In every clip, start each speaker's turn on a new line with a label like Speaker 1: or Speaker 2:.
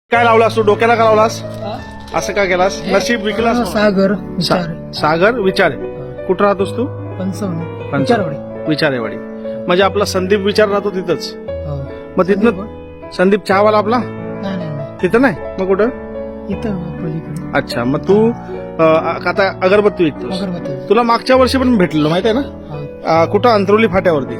Speaker 1: काय लावलास तू डोक्याला का लावलास असं का केलास नशीब विकलास
Speaker 2: सागर
Speaker 1: सागर विचारे कुठं राहतोस तू विचारेवाडी म्हणजे आपला संदीप विचार राहतो तिथंच मग तिथनं संदीप चहावाला आपला तिथं नाही मग कुठं
Speaker 2: इथं
Speaker 1: अच्छा मग तू आता अगरबत्ती विकतोस तुला मागच्या वर्षी पण भेटलेलं माहित आहे ना कुठं अंतरवली फाट्यावरती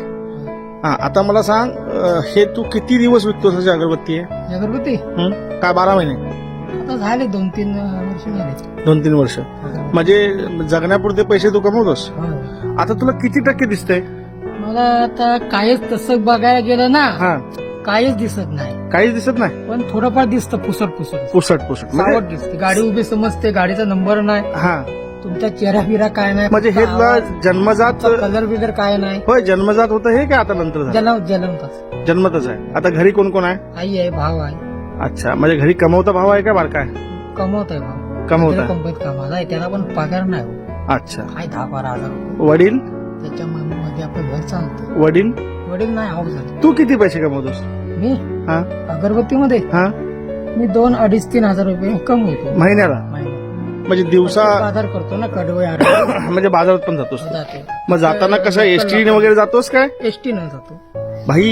Speaker 1: हा आता मला सांग हे तू किती दिवस विकतोस अशी अगरबत्ती आहे
Speaker 2: अगरबत्ती
Speaker 1: काय 12 महिने
Speaker 2: आता झाले 2-3 वर्ष झाले
Speaker 1: 2-3 वर्ष म्हणजे जगण्यापुरते पैसे तू कमवतोस आता तुला किती टक्के दिसतंय
Speaker 2: मला आता काहीच तसं बघायला गेलं ना
Speaker 1: हा
Speaker 2: काहीच दिसत नाही
Speaker 1: काहीच दिसत नाही
Speaker 2: पण थोडंफार दिसतं पुसट
Speaker 1: पुसट
Speaker 2: सावट दिसते गाडी उभी समजते गाडीचा नंबर नाही
Speaker 1: हा
Speaker 2: तुमचा चेहरा बिरा काय नाही
Speaker 1: म्हणजे हे तुला जन्मजात
Speaker 2: कलर बिलर काय नाही
Speaker 1: होय जन्मजात होतं हे काय आता नंतर झालं?
Speaker 2: जन्मताच
Speaker 1: जन्मतच आहे आता घरी कोण कोण आहे
Speaker 2: आई आहे भाव आहे
Speaker 1: अच्छा म्हणजे घरी कमवता भाव आहे का बारका आहे
Speaker 2: कमवत आहे भाव
Speaker 1: कमवत आहे
Speaker 2: कंपनीत कामाला आहे त्याला पण पगार नाही हो.
Speaker 1: अच्छा
Speaker 2: काय 10-12 हजार रुपये
Speaker 1: वडील
Speaker 2: त्याच्यामध्ये आपलं घर चालतं
Speaker 1: वडील
Speaker 2: वडील नाही हाऊस झाले
Speaker 1: तू किती पैसे कमवतोस
Speaker 2: मी
Speaker 1: हा
Speaker 2: अगरबत्तीमध्ये
Speaker 1: हा
Speaker 2: मी 2-2.5-3 हजार रुपये कमवतो
Speaker 1: महिन्याला म्हणजे दिवसा
Speaker 2: बाजार करतो ना कडवे
Speaker 1: म्हणजे बाजारात पण जातोस तू?
Speaker 2: जाते
Speaker 1: मग जाताना कसं एसटी वगैरे जातोस काय
Speaker 2: एसटी न जातो
Speaker 1: भाई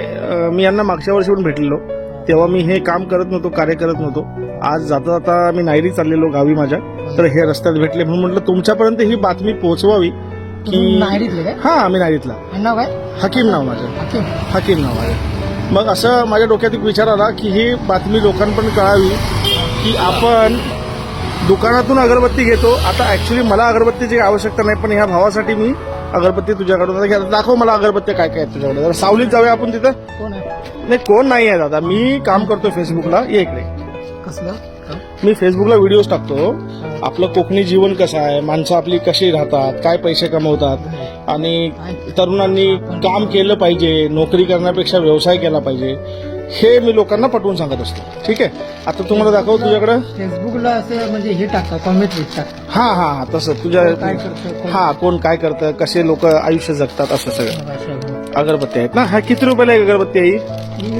Speaker 1: हे मी यांना मागच्या वर्षी पण भेटलेलो तेव्हा मी हे काम करत नव्हतो कार्य करत नव्हतो आज जाता जाता मी नायरी चाललेलो गावी माझ्या तर हे रस्त्यात भेटले म्हणून म्हटलं तुमच्यापर्यंत ही बातमी पोहोचवावी की
Speaker 2: नायरीतले काय
Speaker 1: हा आम्ही नायरीतला
Speaker 2: नाव काय
Speaker 1: हकीम नाव माझं
Speaker 2: हाकीम
Speaker 1: हकीम नाव आहे मग असं माझ्या डोक्यात एक विचार आला की ही बातमी लोकांपर्यंत कळावी की आपण दुकानातून अगरबत्ती घेतो आता ऍक्च्युली मला अगरबत्तीची आवश्यकता नाही पण ह्या भावासाठी मी अगरबत्ती तुझ्याकडून दाखव मला अगरबत्ती काय काय तुझ्याकडे जरा सावलीत जाऊया आपण तिथं
Speaker 2: कोण आहे
Speaker 1: नाही कोण नाही आहे दादा मी काम करतो फेसबुकला ये इकडे
Speaker 2: कसलं
Speaker 1: मी फेसबुकला व्हिडिओज टाकतो आपलं कोकणी जीवन कसं आहे माणसं आपली कशी राहतात काय पैसे कमवतात आणि तरुणांनी काम केलं पाहिजे नोकरी करण्यापेक्षा व्यवसाय केला पाहिजे हे मी लोकांना पटवून सांगत असतो ठीक आहे आता तुम्हाला दाखव तुझ्याकडे
Speaker 2: फेसबुकला असं म्हणजे हे टाकतात कॉमेंट टाकतात
Speaker 1: हा हा हा तसं तुझ्या
Speaker 2: काय करतं
Speaker 1: हा कोण काय करतं कसे लोक आयुष्य जगतात असं सगळं
Speaker 2: कोण
Speaker 1: अगरबत्ती आहेत ना हा किती रुपयाला एक अगरबत्ती आहे ही?
Speaker 2: मी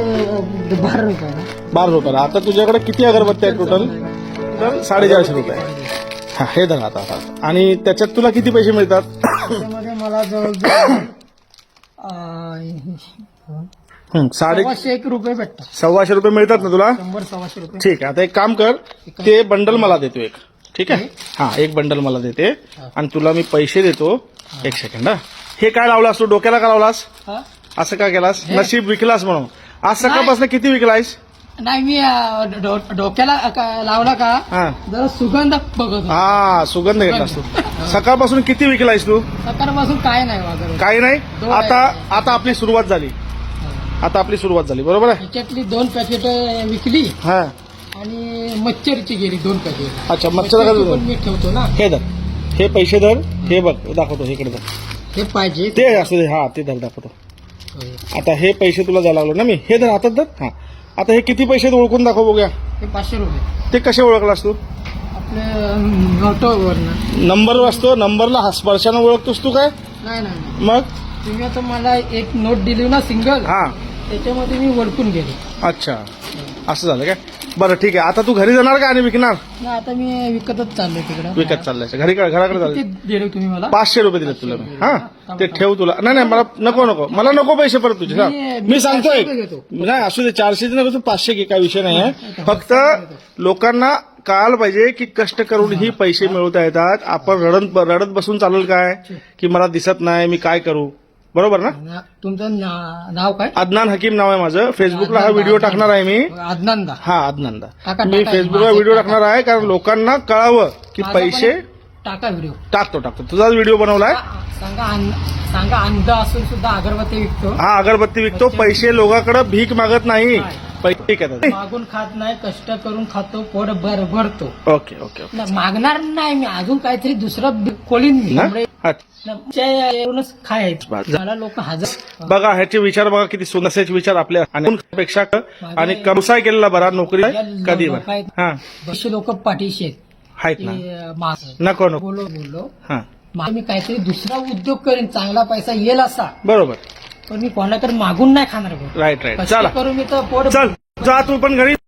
Speaker 2: ते 12 रुपये ना
Speaker 1: 12 रुपयाला आता तुझ्याकडे किती अगरबत्ती आहेत टोटल तर 450 रुपये हा हे धरा आता आणि त्याच्यात तुला किती पैसे मिळतात
Speaker 2: त्याच्यामध्ये मला जवळजवळ 1.5 रुपये भेटतात
Speaker 1: 125 रुपये मिळतात ना तुला
Speaker 2: 100-125 रुपये
Speaker 1: ठीक आहे आता एक काम कर ते बंडल मला देतो एक ठीक आहे हा एक बंडल मला देते आणि तुला मी पैसे देतो एक सेकंड हा हे काय लावलास तू डोक्याला का लावलास
Speaker 2: हा?
Speaker 1: असं का केलास नशीब विकलास म्हणून आज सकाळपासून किती विकलायस
Speaker 2: नाही मी डोक्याला लावला का
Speaker 1: हा
Speaker 2: जरा सुगंध बघत होतो.
Speaker 1: हा सुगंध घेतलास तू सकाळपासून किती विकलायस तू
Speaker 2: सकाळपासून काय नाही माझं
Speaker 1: काही नाही आता आपली सुरुवात झाली आता आपली सुरुवात झाली बरोबर आहे
Speaker 2: त्याच्यातली 2 पॅकेट विकली
Speaker 1: हा
Speaker 2: आणि मच्छरची गेली 2 पॅकेट
Speaker 1: अच्छा मच्छर
Speaker 2: पण मी ठेवतो ना
Speaker 1: हे धर हे पैसे धर हे बघ दाखवतो इकडे धर
Speaker 2: हे पाहिजे
Speaker 1: ते असू दे हा ते धर दाखवतो आता हे पैसे तुला द्यायला लागलो ना मी हे धर हातात धर हा आता हे किती पैसे ओळखून दाखव बघूया
Speaker 2: हे 500 रुपये
Speaker 1: ते कसे ओळखलास तू
Speaker 2: आपल्या ऑटोवरनं
Speaker 1: नंबर वाचतो नंबरला स्पर्शानं ओळखतोस तू काय
Speaker 2: नाही
Speaker 1: मग
Speaker 2: तुम्ही आता मला एक नोट दिली ना सिंगल
Speaker 1: हा
Speaker 2: त्याच्यामध्ये मी वळकून गेलो
Speaker 1: अच्छा असं झालं काय बरं ठीक आहे आता तू घरी जाणार का आणि विकणार
Speaker 2: नाही आता मी विकतच चाललोय तिकडं
Speaker 1: विकत चाललाय घराकडे चाललं
Speaker 2: किती दिले तुम्ही मला
Speaker 1: 500 रुपये दिले तुला मी हा ते ठेव तुला नाही मला नको मला नको पैसे परत तुझे हा मी सांगतोय नाही असू दे 400 नको तू 500 घे काय विषय नाही आहे फक्त लोकांना कळायला पाहिजे की कष्ट करून ही पैसे मिळवता येतात आपण रडत बसून चालेल काय की मला दिसत नाही मी काय करू बरोबर ना
Speaker 2: तुमचं नाव काय
Speaker 1: अदनान हकीम नाव आहे माझं फेसबुकला हा व्हिडिओ टाकणार आहे मी
Speaker 2: अदनांदा
Speaker 1: हा अदनांदा
Speaker 2: टाका,
Speaker 1: मी फेसबुकला व्हिडिओ टाकणार आहे कारण लोकांना कळावं की पैसे
Speaker 2: टाका व्हिडिओ
Speaker 1: टाकतो तुझाच व्हिडिओ बनवलाय
Speaker 2: सांगा अंध असून सुद्धा अगरबत्ती विकतो
Speaker 1: हा अगरबत्ती विकतो पैसे लोकांकडे भीक मागत नाही पैसे घेतात
Speaker 2: मागून खात नाही कष्ट करून खातो पोट भरतो
Speaker 1: ओके
Speaker 2: मागणार नाही मी अजून काहीतरी दुसरं कोळीन मी खायचं मला लोक हजार
Speaker 1: बघा ह्याचे विचार बघा किती सुंदर विचार आपल्या पेक्षा आणि व्यवसाय केलेला बरा नोकरी कधी हा
Speaker 2: बरेचसे लोक पाठीशी
Speaker 1: आहेत ना नको
Speaker 2: बोललो
Speaker 1: हा
Speaker 2: मी काहीतरी दुसरा उद्योग करेन चांगला पैसा येईल असा
Speaker 1: बरोबर
Speaker 2: पण मी कोणाकडे मागून नाही खाणार
Speaker 1: राईट चला
Speaker 2: करून मी तर पोट
Speaker 1: चल जा तू पण घरी